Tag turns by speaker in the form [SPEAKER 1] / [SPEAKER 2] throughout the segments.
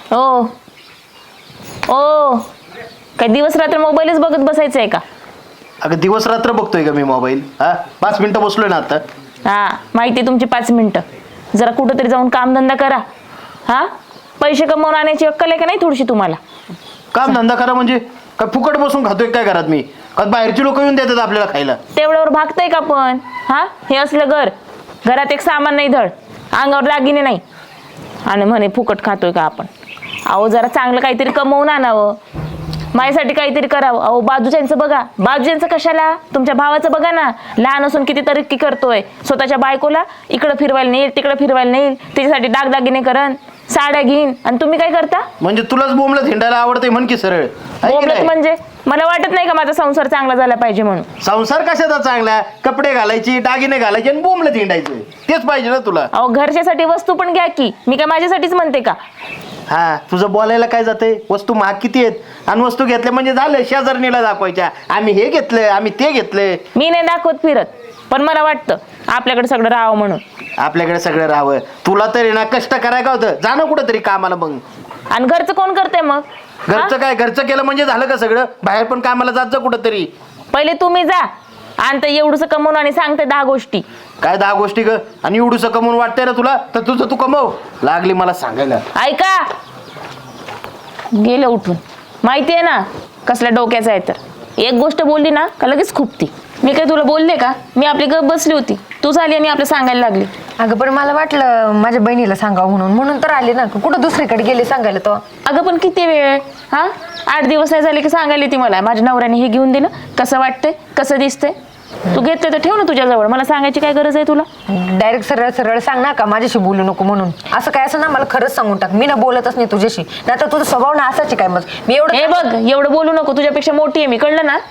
[SPEAKER 1] ओ ओ काय दिवस रात्र मोबाईलच बघत बसायचं आहे का?
[SPEAKER 2] अगं दिवस रात्र बघतोय का मी मोबाईल? हा 5 मिनिटं बसलोय ना आता.
[SPEAKER 1] हा माहिती आहे तुमची 5 मिनिटं. जरा कुठंतरी जाऊन कामधंदा करा. हा पैसे कमवून आणायची अक्कल आहे का नाही थोडीशी तुम्हाला?
[SPEAKER 2] काम धंदा करा म्हणजे काय फुकट बसून खातोय काय घरात मी? का बाहेरची लोक येऊन देतात आपल्याला खायला?
[SPEAKER 1] तेवढ्यावर भागतंय का पण? हा हे असलं घरात एक सामान नाही धड, अंगावर दागिने नाही आणि म्हणे फुकट खातोय का आपण? अहो जरा चांगलं काहीतरी कमवून आणावं, माझ्यासाठी काहीतरी करावं. अहो बाजूच्यांचं बघा, बाजूच्यांचं कशाला, तुमच्या भावाचं बघा ना, लहान असून किती तरक्की करतोय. स्वतःच्या बायकोला इकडं फिरवायला नेईल तिकडं फिरवायला नेईल, त्याच्यासाठी दागदागिने करण, साड्या घेईन, आणि तुम्ही काय करता?
[SPEAKER 2] म्हणजे तुलाच बोंबलं हिंडायला आवडतंय म्हण की सरळ.
[SPEAKER 1] बोंबलत म्हणजे मला वाटत नाही का माझा संसार चांगला झाला पाहिजे म्हणून?
[SPEAKER 2] संसार कशाचा चांगला? कपडे घालायची, दागिने घालायचे आणि बोंबलं हिंडायचं, तेच पाहिजे ना तुला.
[SPEAKER 1] अहो घरच्यासाठी वस्तू पण घ्या की, मी काय माझ्यासाठीच म्हणते का?
[SPEAKER 2] हा तुझं बोलायला काय जातंय? वस्तू महाग किती आहेत आणि वस्तू घेतल्या म्हणजे झालं शेजारणीला दाखवायच्या, आम्ही हे घेतलंय आम्ही ते घेतलंय.
[SPEAKER 1] मी नाही दाखवत फिरत, पण मला वाटतं आपल्याकडे सगळं राहावं म्हणून.
[SPEAKER 2] आपल्याकडे सगळं राहावं. तुला तरी ना कष्ट करायला का होतं? जा ना कुठं तरी कामाला मग.
[SPEAKER 1] आणि घरचं कोण करतंय मग?
[SPEAKER 2] घरचं काय? घरचं केलं म्हणजे झालं का सगळं? बाहेर पण कामाला जात जा कुठं तरी.
[SPEAKER 1] पहिले तुम्ही जा, आणि ते एवढंसं कमवून आणि सांगते 10 गोष्टी.
[SPEAKER 2] काय 10 गोष्टी ग? आणि एवढूसं कमवून वाटतंय ना तुला, तर तुझं तू कमव. लागली मला सांगायला.
[SPEAKER 1] ऐका, गेलं उठून. माहिती आहे ना कसल्या डोक्याचं आहे तर. एक गोष्ट बोलली ना का लगेच खुपती. मी काय तुला बोलले का? मी आपली गप बसली होती, तू झाली आणि आपलं सांगायला लागली.
[SPEAKER 3] अगं पण मला वाटलं माझ्या बहिणीला सांगावं म्हणून तर आले ना. कुठं दुसरीकडे गेले सांगायला तो?
[SPEAKER 1] अगं पण किती वेळ? हा 8 दिवस नाही झाले की सांगायला ती मला, माझ्या नवऱ्याने हे घेऊन दिलं, कसं वाटतंय, कसं दिसतंय. तू घेतलं तर ठेव ना तुझ्याजवळ, मला सांगायची काय गरज आहे तुला?
[SPEAKER 3] डायरेक्ट सरळ सरळ सांग ना का माझ्याशी बोलू नको म्हणून. असं काय असं ना, मला खरंच सांगून टाक. मी ना बोलतच नाही तुझ्याशी, नाही तर तुझा स्वभाव ना असाच काय. मग मी
[SPEAKER 1] हे बघ एवढं बोलू नको, तुझ्यापेक्षा मोठी आहे मी, कळलं ना?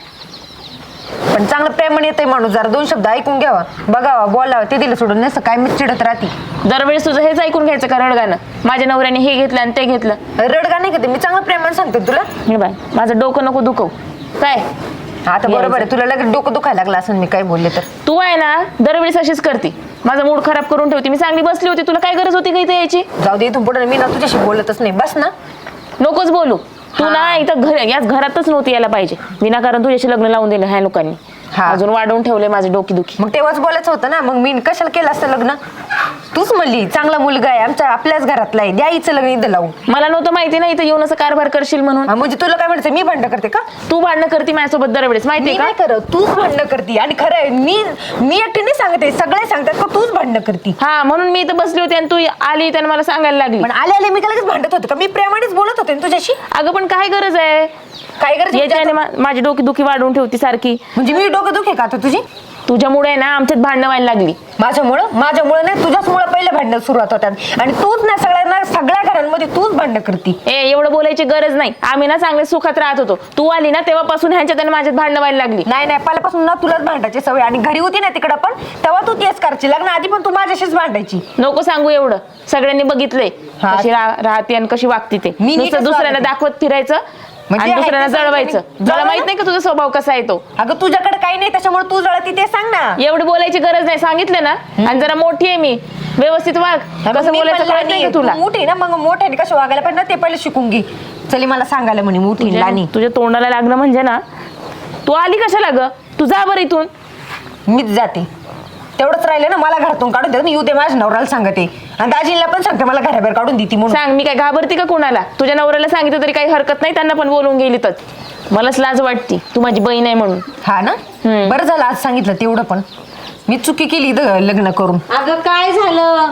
[SPEAKER 3] पण चांगलं प्रेमाने येते माणूस, जरा 2 शब्द ऐकून घ्यावा, बघावा, बोलावं, ते दिलं सोडून नसतं काय मी चिडत राहते.
[SPEAKER 1] दरवेळेस तुझं हेच ऐकून घ्यायचं का रडगाणं? माझ्या नवऱ्याने हे घेतलं आणि ते घेतलं.
[SPEAKER 3] रडगा नाही का ते? मी चांगलं प्रेमाने सांगते तुला.
[SPEAKER 1] हे बाय माझं डोकं नको दुखव काय.
[SPEAKER 3] आता बरोबर आहे, तुला लगेच डोकं दुखायला लागलं असं मी काय बोलले तर.
[SPEAKER 1] तू आहे ना दरवेळेस अशीच करते, माझा मूड खराब करून ठेवते. मी चांगली बसली होती, तुला काय गरज होती का इथे यायची?
[SPEAKER 3] जाऊ दे, इथून पुढे मी ना तुझ्याशी बोलतच नाही, बस ना.
[SPEAKER 1] नकोच बोलू तू ना. इथं याच घरातच नव्हती यायला पाहिजे, विनाकारण तुझ्याशी लग्न लावून दिलं ह्या लोकांनी. अजून वाढवून ठेवले माझे डोकी.
[SPEAKER 3] मग तेव्हाच बोलायचं होतं ना. मग मी कशाला केलं असतं लग्न? तूच म्हणली चांगला मुलगा आहे, आपल्याच घरातला आहे, द्या हिचं लग्न इथं लावून.
[SPEAKER 1] मला नव्हतं माहिती ना इथं येऊन असं कारभार करशील म्हणून.
[SPEAKER 3] म्हणजे तुला काय म्हणायचं, मी भांडण करते का?
[SPEAKER 1] तू भांडणं करते माझ्यासोबत दरवेळेस, माहितीये का?
[SPEAKER 3] करत तूच भांडण करते. आणि खरं आहे, मी एकटी नाही सांगते, सगळे सांगतात का तूच भांडण करते.
[SPEAKER 1] हा म्हणून मी इथं बसली होती आणि तू आली त्याने मला सांगायला लागली.
[SPEAKER 3] पण आले मी लगेच भांडत होते का? मी प्रेमानेच बोलत होते तुझ्याशी.
[SPEAKER 1] अगं पण काय गरज आहे?
[SPEAKER 3] काय गरज?
[SPEAKER 1] याच्याने माझी डोकी वाढवून ठेवती सारखी.
[SPEAKER 3] म्हणजे मी डोकं दुखे का आता तुझी?
[SPEAKER 1] तुझ्यामुळे ना आमच्यात भांडणं व्हायला लागली.
[SPEAKER 3] माझ्यामुळे नाही, तुझ्याचमुळे पहिले भांडणं सुरुवात होतात. आणि तूच ना सगळ्या घरांमध्ये तूच भांडणं करती.
[SPEAKER 1] एवढं बोलायची गरज नाही. आम्ही ना चांगले सुखात राहत होतो, तू आली ना तेव्हापासून ह्यांच्यात आणि माझ्यात भांडणं व्हायला लागली.
[SPEAKER 3] नाही पहिल्यापासून ना तुलाच भांडायची सवय. आणि घरी होती ना तिकडं पण, तेव्हा तू तेच करायची. लग्न आधी पण तू माझ्याशीच भांडायची.
[SPEAKER 1] नको सांगू एवढं, सगळ्यांनी बघितलंय कशी राहते आणि कशी वागते ते. नुसतं दुसऱ्यांना दाखवत फिरायचं आणि दुसऱ्यांना जळवायचं. तुला माहित नाही का तुझा स्वभाव कसा आहे तो?
[SPEAKER 3] अगं तुझ्याकडे काही नाही त्याच्यामुळे तू जळती, ते सांग ना.
[SPEAKER 1] एवढी बोलायची गरज नाही, सांगितलं ना. आणि जरा मोठी आहे मी, व्यवस्थित वाग. कसं बोलायचं कळत नाही का तुला?
[SPEAKER 3] मोठी ना, मग मोठ्याने कसं वागायला पाहिजे ना ते पहिले शिकून घे. चली मला सांगायला म्हणे मोठी लहानी.
[SPEAKER 1] तुझ्या तोंडाला लागलं म्हणजे ना. तू आली कशाला ग? तू जा बरं इथून.
[SPEAKER 3] मीच जाते. तेवढंच राहिलं ना, मला घरातून काढून देत. येऊ दे, माझ्या नवऱ्याला सांगते आणि दाजीला पण सांगते मला घराबाहेर काढून देते म्हणून.
[SPEAKER 1] सांग, मी काय घाबरते का कोणाला? तुझ्या नवऱ्याला सांगितलं तरी काही हरकत नाही, त्यांना पण बोलून गेली तर. मलाच लाज वाटती, तू माझी बहीण आहे म्हणून.
[SPEAKER 3] हा ना, बरं झालं आज सांगितलं तेवढं. पण मी चुकी केली इथं लग्न करून.
[SPEAKER 4] अगं काय झालं?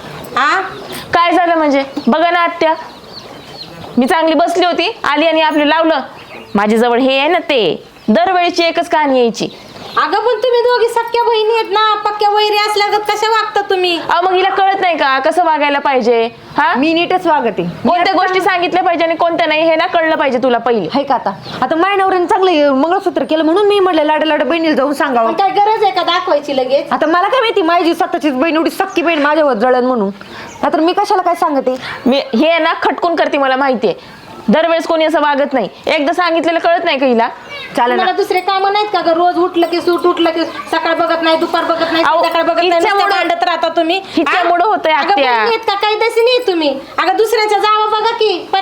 [SPEAKER 1] काय झालं म्हणजे? बघा ना आत्या, मी चांगली बसली होती, आली आणि आपलं लावलं. माझ्या जवळ हे आहे ना, ते दरवेळीची एकच कहाणी यायची.
[SPEAKER 4] अगं पण तुम्ही दोघी सख्या बहिणी आहेत ना, पक्क्या वैरी असल्यागत कशा वागता तुम्ही?
[SPEAKER 1] मग हिला कळत नाही का कसं वागायला पाहिजे? हा
[SPEAKER 3] मी नीटच वागते.
[SPEAKER 1] कोणत्या गोष्टी सांगितल्या पाहिजे आणि कोणत्या नाही हे ना कळलं पाहिजे तुला पहिले.
[SPEAKER 3] हाय का? आता माझ्या नवऱ्याने चांगलं मंगळसूत्र केलं म्हणून मी म्हटलं लाड बहिणीला जाऊन सांगावं.
[SPEAKER 4] काय गरज आहे का दाखवायची लगेच?
[SPEAKER 3] आता मला काय माहिती, माझी स्वतःचीच बहीण एवढी सख्खी बहीण माझ्यावर जळण म्हणून. आता मी कशाला काय सांगते?
[SPEAKER 1] मी हे ना खटकून करते, मला माहितीये. दरवेळेस कोणी असं वागत नाही. एकदा सांगितलेलं कळत नाही का हिला?
[SPEAKER 4] मला दुसरे काम नाहीत का ग? रोज उठलं की सूट, उठलं की सकाळ बघत नाही, दुपार बघत नाही, संध्याकाळ बघत नाही, नुसतं भांडत राहता तुम्ही.
[SPEAKER 1] हिच्यामुळं होतंय आत्या.
[SPEAKER 4] का काही तशी नाही तुम्ही? अगं दुसऱ्याच्या जावं बघा की.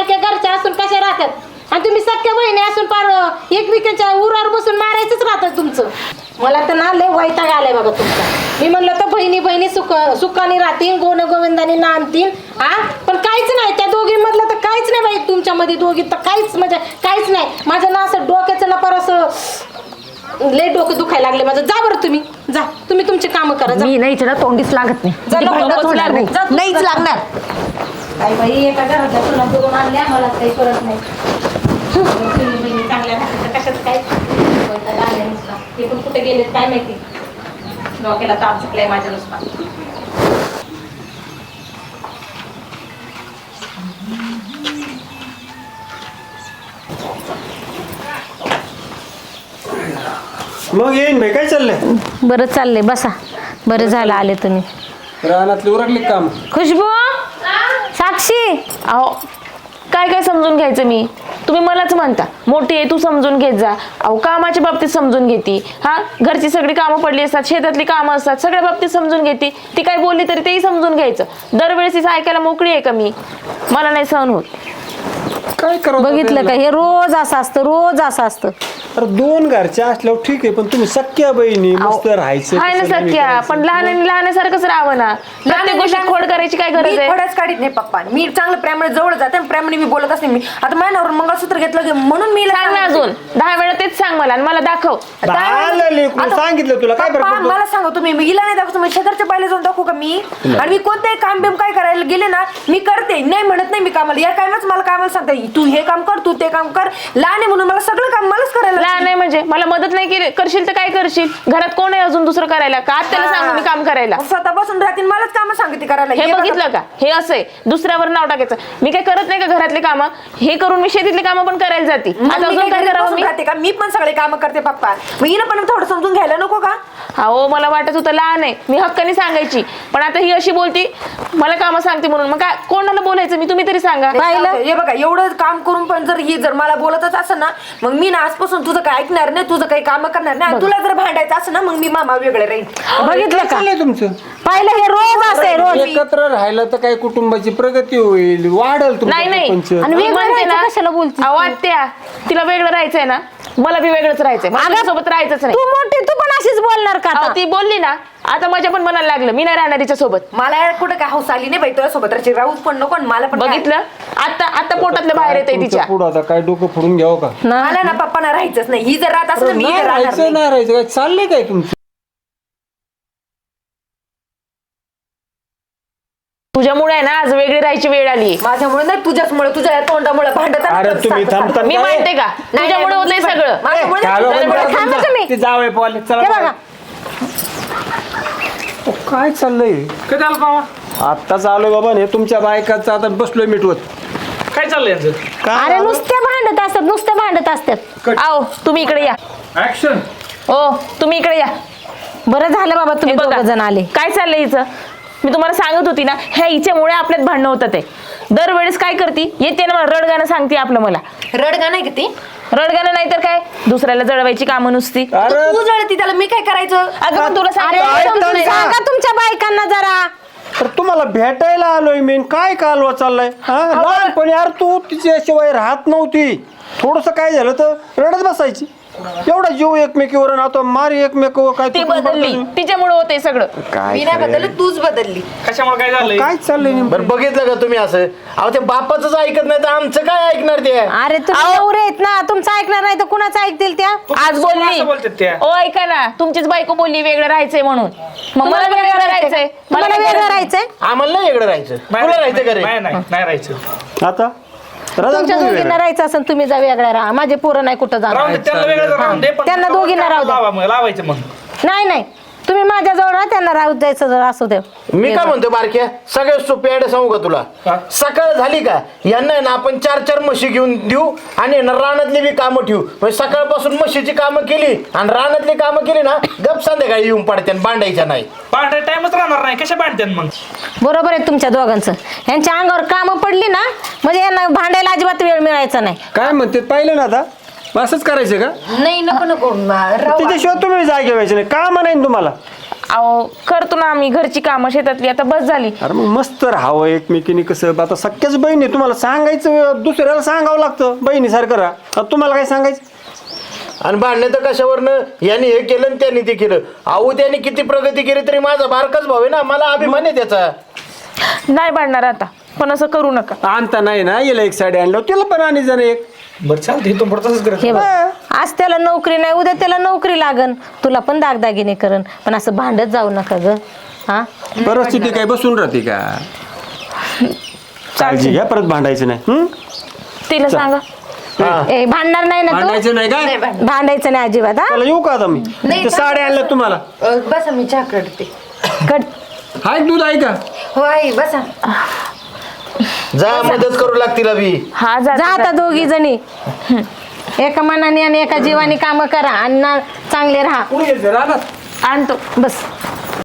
[SPEAKER 4] राहतात आणि तुम्ही सख्या बहिणी असून पार एकमेकांच्या उरावर बसून मारायचंच राहतं तुमचं. मला तर ना लय वैताग आलाय बघा तुमचा. मी म्हणलं तर बहिणी बहिणी सुखाने राहतील, गोन गोविंदाने नांदतील, हा पण काहीच नाही त्या दोघी मधलं तर काहीच नाही बाई तुमच्यामध्ये दोघी तर काहीच म्हणजे काहीच नाही. माझं ना असं डोक्याचं ना पर असं लय डोकं दुखायला लागले माझं. जा बरं तुम्ही, जा तुम्ही तुमची कामं करा. जा.
[SPEAKER 3] मी नाही ना तोंडीच लागत नाही.
[SPEAKER 4] जा,
[SPEAKER 3] ती
[SPEAKER 4] नको,
[SPEAKER 3] भांडणच
[SPEAKER 4] नको
[SPEAKER 3] होणार
[SPEAKER 4] लागू.
[SPEAKER 3] नाही.
[SPEAKER 4] जा, तू
[SPEAKER 3] नाहीच
[SPEAKER 4] जा.
[SPEAKER 3] लागणार.
[SPEAKER 4] काय बाई एका घरातल्या तुला बघून आणल्या मला काही करत नाही. तुम्ही बहिणी चांगल्या राहतात कशात काय वैताग आलाय नुसता. हे पण कुठे गेलेत काय माहिती. डोक्याला ताप सुटलाय माझ्या नुसता.
[SPEAKER 5] मग येईन भाई, काय चाललंय?
[SPEAKER 6] बरं चाललंय बसा. बरं झालं आले तुम्ही.
[SPEAKER 5] रानातली उरकली काम?
[SPEAKER 6] खुशबू, साक्षी,
[SPEAKER 1] अहो काय काय समजून घ्यायचं मी? तुम्ही मलाच म्हणता मोठी आहे तू समजून घेत जा. अहो कामाच्या बाबतीत समजून घेते, हा घरची सगळी कामं पडली असतात, शेतातली कामं असतात, सगळ्या बाबतीत समजून घेते. ती काय बोलली तरी तेही समजून घ्यायचं. दरवेळेस तिचं ऐकायला मोकळी आहे का मी? मला नाही सहन होत.
[SPEAKER 5] काय करू
[SPEAKER 6] बघितलं का हे रोज असं असतं, रोज असं असतं.
[SPEAKER 5] अरे दोन घरच्या असल्यावर ठीक आहे, पण तुम्ही सख्या बहिणी मस्त राहायचं.
[SPEAKER 1] आहे ना
[SPEAKER 5] कसं नाही
[SPEAKER 1] सख्या,
[SPEAKER 5] करायचं.
[SPEAKER 1] पण लहान लहानसारखंच राहावं ना. प्रत्येक गोष्टीत खोड करायची काय गरज
[SPEAKER 3] मी
[SPEAKER 1] आहे?
[SPEAKER 3] खोडच काढीत नाही पप्पा. मी चांगलं प्रेमाने जवळ जाते आणि प्रेमाने मी बोलत असते. मी आता माझ्यावर मंगळसूत्र घेतलं की म्हणून मी
[SPEAKER 1] सांग ना अजून 10 वेळा तेच सांग मला आणि मला दाखव.
[SPEAKER 5] झालं लेकरू,
[SPEAKER 3] आता-
[SPEAKER 5] सांगितलं तुला काय फरक
[SPEAKER 3] पप्पा,
[SPEAKER 5] पडतो?
[SPEAKER 3] मला सांगा तुम्ही, मी हिला नाही दाखवतो, मी शेजारच्या बायला जाऊन दाखवू का मी? आणि मी कोणतेही काम बिम काय करायला गेले ना मी करते, नाही म्हणत नाही मी कामाला. या कामच मला कामाला सांगता तू हे काम कर, तू ते काम कर. लहान आहे म्हणून मला सगळं काम मलाच करायला
[SPEAKER 1] लहान नाही म्हणजे मला मदत नाही केली करशील तर काय करशील? घरात कोण आहे अजून दुसरं करायला का? त्याला सांगू मी काम करायला.
[SPEAKER 3] मग स्वतः बसून राहतील, मलाच काम सांगते करायला.
[SPEAKER 1] हे
[SPEAKER 3] बघा.
[SPEAKER 1] बघितलं का? हे असं आहे दुसऱ्यावर नाव टाकायचं. मी काय करत नाही का घरातले कामं? हे करून मी शेतीतले कामं पण करायला जाते.
[SPEAKER 3] मग
[SPEAKER 1] आता
[SPEAKER 3] मी
[SPEAKER 1] अजून
[SPEAKER 3] काय
[SPEAKER 1] काय
[SPEAKER 3] घरी
[SPEAKER 1] करावं
[SPEAKER 3] बसून
[SPEAKER 1] मी?
[SPEAKER 3] राहते का? मी पण सगळे काम करते पप्पा. मग हिनं पण थोडं समजून घ्यायला नको का?
[SPEAKER 1] अहो मला वाटत होतं लहान आहे मी हक्काने सांगायची, पण आता ही अशी बोलती मला कामं सांगते म्हणून. मग काय कोणाला बोलायचं मी? तुम्ही तरी सांगा.
[SPEAKER 3] हे बघा एवढं काम करून पण जर ही जर मला बोलतच असं ना मग मी ना आजपासून तुझं काय ऐकणार नाही, तुझं काही काम करणार नाही. आणि तुला जर भांडायचं असं ना मग मी मामा वेगळे राहील.
[SPEAKER 6] बघितलं
[SPEAKER 5] काय
[SPEAKER 6] का?
[SPEAKER 5] चाललंय तुमचं?
[SPEAKER 6] पाहिलं हे रोज असं आहे, रोज.
[SPEAKER 5] एकत्र राहिलं तर काय कुटुंबाची प्रगती होईल, वाढेल तुमचं
[SPEAKER 1] नाही नाही
[SPEAKER 5] प्रपंच.
[SPEAKER 6] आणि
[SPEAKER 1] मी
[SPEAKER 6] वेगळं
[SPEAKER 1] म्हणते ना
[SPEAKER 6] राहायचं कशाला बोलतेस तू?
[SPEAKER 1] अहो आत्या तिला वेगळं राहायचंय ना, मला बी वेगळंच राहायचंय. मला सोबत राहायचंच नाही.
[SPEAKER 6] तू मोठी, तू पण अशीच बोलणार का
[SPEAKER 1] अहो,
[SPEAKER 6] आता?
[SPEAKER 1] ती बोलली ना आता माझ्या पण मनाला लागलं मी नाही राहणार तिच्या सोबत.
[SPEAKER 3] मला कुठं काय हौस आली नाही बाई तुझ्या सोबत राहायची. राहूच पण नको आणि मला पण काय.
[SPEAKER 1] बघितलं आता आता पोटातलं बाहेर येते
[SPEAKER 5] तुमचं
[SPEAKER 1] तिच्या.
[SPEAKER 5] पुढं आता काय डोकं फोडून घ्यावं का?
[SPEAKER 3] मला ना पप्पाना राहायचंच नाही. ही जर राहत असं मी
[SPEAKER 5] नाही
[SPEAKER 3] इथे राहणार
[SPEAKER 5] राहायचं
[SPEAKER 3] नाही.
[SPEAKER 5] नाही राहायचं, काय चाललंय काय तुमचं?
[SPEAKER 1] तुझ्यामुळे आहे ना आज वेगळी राहायची वेळ आली.
[SPEAKER 3] माझ्यामुळे नाही तुझ्याचमुळे, तुझ्या या तोंडामुळे भांडत
[SPEAKER 5] अरे तुम्ही थांबता
[SPEAKER 1] मी मानते का तुझ्यामुळे होतंय सगळं.
[SPEAKER 5] चालू
[SPEAKER 3] सगळं
[SPEAKER 5] बंद करा
[SPEAKER 6] थांबा
[SPEAKER 5] तुमचं.
[SPEAKER 6] तुम्ही.
[SPEAKER 5] ते जावई पोहाले, चला
[SPEAKER 6] हे
[SPEAKER 5] बाहेर.
[SPEAKER 6] बघा
[SPEAKER 5] काय चाललंय?
[SPEAKER 7] काय झालं बाबा?
[SPEAKER 5] आत्ताच आलोय बाबा हे तुमच्या बायकाचं आता बसलोय मिटवत.
[SPEAKER 7] काय चाललंय यांचं?
[SPEAKER 6] अरे नुसते भांडत असतात, नुसते भांडत असतात.
[SPEAKER 1] आओ तुम्ही इकडे या.
[SPEAKER 7] ऍक्शन.
[SPEAKER 1] ओ तुम्ही इकडे या.
[SPEAKER 6] बरं झालं बाबा
[SPEAKER 1] हे
[SPEAKER 6] तुम्ही
[SPEAKER 1] बघा,
[SPEAKER 6] दोघं जण आले.
[SPEAKER 1] काय चाललंय हिचं? मी तुम्हाला सांगत होती ना ह्या हिच्यामुळे आपल्यात भांडणं होतात. ते दरवेळेस काय करते येते ना मला रडगाणं सांगते आपलं. मला
[SPEAKER 3] रडगा नाही किती
[SPEAKER 1] रडगाणं नाही तर काय दुसऱ्याला जळवायची कामं नुसती.
[SPEAKER 5] अरे
[SPEAKER 3] तू जळती त्याला मी काय करायचं?
[SPEAKER 1] अगं पण तुला
[SPEAKER 6] अरे
[SPEAKER 1] सांगते
[SPEAKER 6] तुम्ही
[SPEAKER 1] नाही.
[SPEAKER 6] सांगा तुमच्या बायकांना जरा.
[SPEAKER 5] तर तुम्हाला भेटायला आलोय मी, काय कालवा चाललाय? हा लहानपणी यार तू तिच्याशिवाय राहत नव्हती. थोडस काय झालं तर रडत बसायची. एवढा जीव एकमेकीवर आणि आता मारी एकमेकीवर काय
[SPEAKER 1] ती
[SPEAKER 5] तुटून
[SPEAKER 1] बदलली
[SPEAKER 5] पडतो.
[SPEAKER 1] तिच्यामुळे होतंय सगळं.
[SPEAKER 3] मी नाही बदलली, तूच बदलली.
[SPEAKER 7] कशामुळे काय झालंय?
[SPEAKER 5] काय चाललंय नेमकं?
[SPEAKER 2] बरं बघितलं का तुम्ही असं? अहो ते बापाचंच ऐकत नाही तर आमचं काय ऐकणार ते?
[SPEAKER 6] अरे तुम्ही नवरे आहेत ना, तुमचं ऐकणार नाही तर कुणाचं ऐकतील त्या?
[SPEAKER 1] आज
[SPEAKER 7] असं बोलतात त्या.
[SPEAKER 1] बोलली ओ ऐका ना तुमचीच बायको बोलली वेगळं राहायचंय म्हणून. मग मला
[SPEAKER 6] तुम्हाला
[SPEAKER 1] वेगळं राहायचंय.
[SPEAKER 6] तुम्हाला
[SPEAKER 1] काय
[SPEAKER 6] वेगळं
[SPEAKER 1] करायचं?
[SPEAKER 6] राहायचंय?
[SPEAKER 2] आम्हाला नाही इकडे राहायचं. तुला राहायचं का रे?
[SPEAKER 7] नाही नाही नाही राहायचं.
[SPEAKER 5] आता
[SPEAKER 6] तुमच्या दोघींना राहायचं असेल तुम्ही जा वेगळ्या राहा. माझे पोरं नाही कुठं
[SPEAKER 7] राहून
[SPEAKER 6] जाणार.
[SPEAKER 7] दे, त्यांना वेगळं राहून दे, पण
[SPEAKER 6] त्यांना दोघींना राहू द्या.
[SPEAKER 7] लावा मग, लावायचं मग.
[SPEAKER 6] नाही नाही तुम्ही माझ्याजवळ राहा, त्यांना राहू द्यायचं जर असू दे.
[SPEAKER 2] मी काय म्हणतो बारक्या सगळ्यात सोपी आयडिया सांगू का तुला?
[SPEAKER 7] हा.
[SPEAKER 2] सकाळ झाली का यांना आहे ना आपण 4-4 म्हशी घेऊन देऊ आणि ना रानातली बी कामं ठेवू. म्हणजे सकाळपासून म्हशीची कामं केली आणि रानातली कामं केली ना गप संध्याकाळी येऊन पडते आणि बांधायच्या नाही.
[SPEAKER 7] पांढऱ्या टाइमच राहणार नाही, कशा बांधतात मग?
[SPEAKER 6] बरोबर आहे तुमच्या दोघांचं. यांच्या अंगावर कामं पडली ना म्हणजे यांना भांडायला अजिबात वेळ मिळायचा नाही.
[SPEAKER 5] काय म्हणते पाहिलं ना आता? असंच करायचं का?
[SPEAKER 3] नाही नको नको राहू.
[SPEAKER 5] तिच्याशिवाय तुम्ही जागे व्हायचे नाही. काम नाही ना तुम्हाला?
[SPEAKER 1] अहो करतो ना आम्ही घरची कामं शेतातली, आता बस झाली.
[SPEAKER 5] अरे मग मस्त राहावं एकमेकीने. कसं आता सख्याच बहीण आहे, तुम्हाला सांगायचं दुसऱ्याला सांगावं लागतं बहिणीसारखं राहा. आता तुम्हाला काय सांगायचं?
[SPEAKER 2] आणि भांडणे तर कशावरनं, यांनी हे केलं आणि त्यांनी ते केलं. अहो त्यांनी किती प्रगती केली तरी माझा बारकाच भाऊ आहे ना, मला अभिमान आहे त्याचा.
[SPEAKER 1] नाही भांडणार आता, पण असं करू नका.
[SPEAKER 5] आणता नाही ना, याला एक साडी आणलं तिला पण आणि जण एक.
[SPEAKER 7] बरं चालतं इथून पुढे तसंच
[SPEAKER 6] हे
[SPEAKER 7] करायचं.
[SPEAKER 6] बघ, आज त्याला नोकरी नाही, उद्या त्याला नोकरी लागन, तुला पण दागदागिने करन, पण असं भांडत जाऊ नका ग. हा
[SPEAKER 5] परिस्थिती काय बसून राहते का? काळजी घ्या, परत भांडायचं नाही.
[SPEAKER 1] तिला सांगा.
[SPEAKER 6] ए, भांडणार नाही ना तू?
[SPEAKER 5] भांडायचं नाही काय?
[SPEAKER 6] भांडायचं नाही अजिबात. हा
[SPEAKER 5] चला येऊ का आता मी? ते साड्या आणल्या तुम्हाला.
[SPEAKER 3] बसा मी चहा करते.
[SPEAKER 6] कट.
[SPEAKER 5] हाय दूध आहे का?
[SPEAKER 3] हो आई बसा.
[SPEAKER 2] जा मदत करू लागतील अभि.
[SPEAKER 1] हा
[SPEAKER 6] जा आता दोघी जणी एका मनाने आणि एका जीवाने काम करा आणि ना चांगले राहा.
[SPEAKER 5] कुणी गेलते रानात?
[SPEAKER 1] आणतो.
[SPEAKER 6] बस